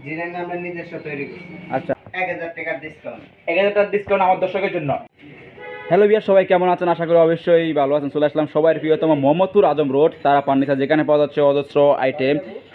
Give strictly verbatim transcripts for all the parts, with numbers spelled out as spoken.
Design আমরা নিজস্ব তৈরি করি। আচ্ছা, এক হাজার টাকার ডিসকাউন্ট। এক হাজার টাকার ডিসকাউন্ট আমার দর্শকের জন্য। হ্যালো বিয়ার, সবাই কেমন আছেন? আশা করি অবশ্যই ভালো আছেন। চলে আসলাম সবাই প্রিয়তম মোহাম্মদপুর আজম রোড তারা ফার্নিচার, যেখানে পাওয়া যাচ্ছে অজস্র আইটেম।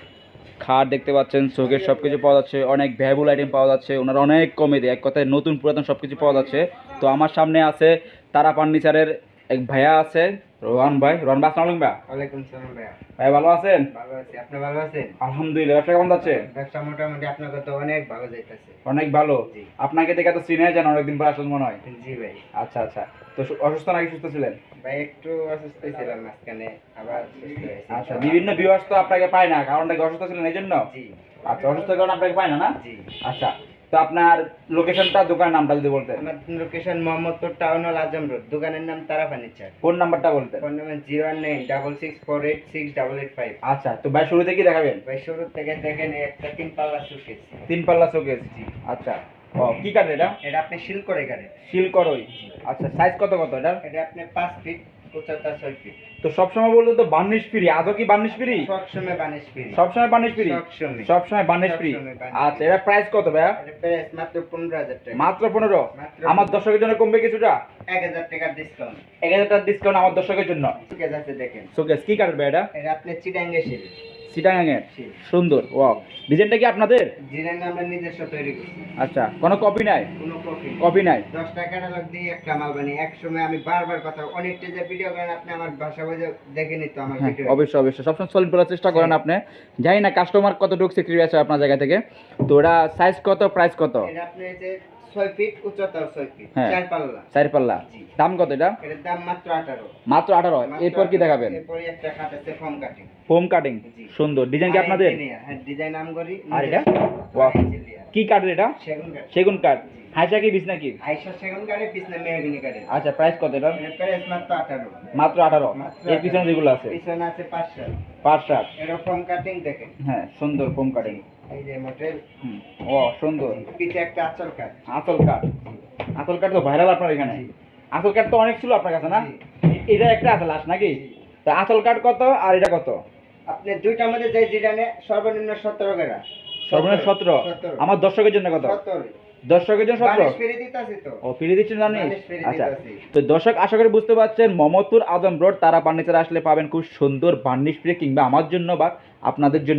খাট দেখতে পাচ্ছেন, চোখের সব কিছু পাওয়া যাচ্ছে, অনেক ভ্যাবুল আইটেম পাওয়া যাচ্ছে। ওনারা অনেক কমে দেয়, এক কথায় নতুন পুরাতন সব কিছু পাওয়া যাচ্ছে। তো আমার সামনে আছে তারা ফার্নিচারের এক ভাইয়া আছে, রোহান ভাই। রোহান ভাই, আসসালামু আলাইকুম ভাই। ওয়ালাইকুম সালাম ভাইয়া। ভাই ভালো আছেন? ভালো আছি, আপনি ভালো আছেন? আলহামদুলিল্লাহ। ব্যবসা কেমন যাচ্ছে? ব্যবসা মোটামুটি আপনার তো অনেক ভালো যাইতেছে। অনেক ভালো। জি। আপনাকে দেখে তো চিনে যান, অনেকদিন পর আসলে মনে হয়। জি ভাই। আচ্ছা আচ্ছা। তো সু- অসুস্থ নাকি সুস্থ ছিলেন? ভাই একটু অসুস্থ ছিলাম মাঝখানে, আবার সুস্থ হয়েছি। আচ্ছা, বিভিন্ন ভিউয়ার্স তো আপনাকে পায় না, কারণটা কি অসুস্থ ছিলেন এই জন্য? জি আচ্ছা, অসুস্থের কারণে আপনাকে পায় না না? জি। আচ্ছা, তো আপনার লোকেশনটা, দোকানের নামটা যদি বলতেন। আমার লোকেশন মোহাম্মদপুর টাউন হল আজম রোড, দোকানের নাম তারা ফার্নিচার। ফোন নাম্বারটা বলতেন। Phone number zero one nine double six four eight six double eight five. আচ্ছা, তো ভাই শুরুতে কি দেখাবেন? ভাই শুরু থেকে দেখেন, এই একটা তিন পাল্লা সুকেস। তিন পাল্লা শোকেস। আচ্ছা, ও কি কাঠ এটা? এটা আপনি শিল করে কাটেন। শিল করই। আচ্ছা, সাইজ কত কত এটা? এটা আপনি পাঁচ ফিট, উচ্চতা ছয় ফিট। তো সবসময় বলতো তো বার্নিশ ফ্রি, আদৌ কি বার্নিশ ফ্রি? সবসময় বানিশ ফ্রি। সবসময় বার্নিশ ফ্রি? সবসময়। সবসময় বার্নিশ ফ্রি। সবসময় বার্নিশ আচ্ছা, এটা প্রাইস কত ভাইয়া? এটা প্রাইস মাত্র পনেরো হাজার টাকা। মাত্র পনেরো? মাত্র আমার দর্শকের জন্য কমবে কিছুটা? এক হাজার টাকার ডিসকাউন্ট। এক হাজার টাকার ডিসকাউন্ট আমার দর্শকের জন্য। সুকেস আছে দেখেন। শোকেস কি কাঠের ভাই এটা? এটা আপনি চিটাঙ্গে শিল। চিটাগাঙের। শিল। সুন্দর, ওয়াও। ডিজাইনটা কি আপনাদের? ডিজাইন আমরা নিজস্ব তৈরি করি। আচ্ছা, কোনো কপি নাই? কোনো কপি কপি নাই। দশ টাকা লোক দিয়ে একটা মাল বানিয়ে এক সময় আমি বারবার কথা অনেকটা যে ভিডিও করেন আপনি, আমার ভাষা বুঝে দেখে নিত আমার হ্যাঁ, ভিডিও। অবশ্যই অবশ্যই সবসময় সলিড করার চেষ্টা করেন আপনি। জানি না কাস্টমার কতটুকু সিক্রেট আছে আপনার জায়গা থেকে। তো ওটা সাইজ কত, প্রাইস কত? এটা আপনি এই যে ছয় ফিট উচ্চতা, ছয় ফিট, হ্যাঁ। চার পাল্লা। চার পাল্লা। জি। দাম কত এটা? এটার দাম মাত্র আঠারো। মাত্র আঠারো। এরপর কি দেখাবেন? এরপর একটা খাট আছে ফোম কাটিং। Foam cutting. জি। সুন্দর। ডিজাইন কি আপনাদের? হ্যাঁ, ডিজাইন নাম করি। আর এটা? ওয়াও। কি কাঠের এটা? সেগুন কাঠ। সেগুন কাঠ। হাইসা কি বিছনা কি? আইসা সেগুন কাঠে, পিছনে মেহগনি কাঠে। আচ্ছা, প্রাইস কত এটা? এর প্রাইস মাত্র আঠারো। মাত্র আঠারো। মাত্র এর পিছনে যেগুলো আছে? পিছনে আছে পাঁচ সাত। পাঁচ সাত। এটা ফোম কাটিং দেখেন। হ্যাঁ, সুন্দর ফোম কাটিং। এই যে মডেল। হুম, ও সুন্দর। পিছে একটা আঁচল কাঠ। আঁচল কাঠ। আঁচল কাঠ তো ভাইরাল আপনার এখানে। জি। আঁচল কাঠ তো অনেক ছিল আপনার কাছে না? জি। এটা একটা আছে লাস্ট নাকি? তা আঁচল কাঠ কত আর এটা কত? আপনি দুইটার মধ্যে যে যেটা নেয় সর্বনিম্ন সতেরো টাকা। সর্বনিম্ন সতেরো। আমার দর্শকের জন্য কত? সতেরো। দর্শকের জন্য সতেরো। বালিশ ফিরে দিতাছি তো। ও, ফিরে দিচ্ছেন জানিস? বালিশ ফিরে আচ্ছা, দিতাছি। তো দর্শক আশা করি বুঝতে পারছেন, মোহাম্মদপুর আজম রোড তারা ফার্নিচার আসলে পাবেন খুব সুন্দর বার্নিশ ফ্রি, কিংবা আমার জন্য বা আপনাদের জন্য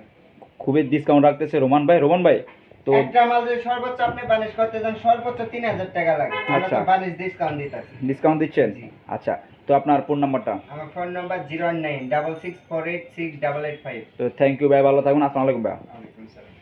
খুবই ডিসকাউন্ট রাখতেছে রোমান ভাই। রোমান ভাই, তো একটা মাল যদি সর্বোচ্চ আপনি বালিশ করতে যান সর্বোচ্চ তিন হাজার টাকা লাগে। আমরা আচ্ছা। তো বালিশ ডিসকাউন্ট দিতাছি। ডিসকাউন্ট দিচ্ছেন? জি। আচ্ছা, তো আপনার ফোন নাম্বারটা? আমার phone number zero one nine double six four eight six double eight five. তো থ্যাংক ইউ ভাই, ভালো থাকুন। আসসালামু আলাইকুম ভাই। ওয়ালাইকুম আসসালাম।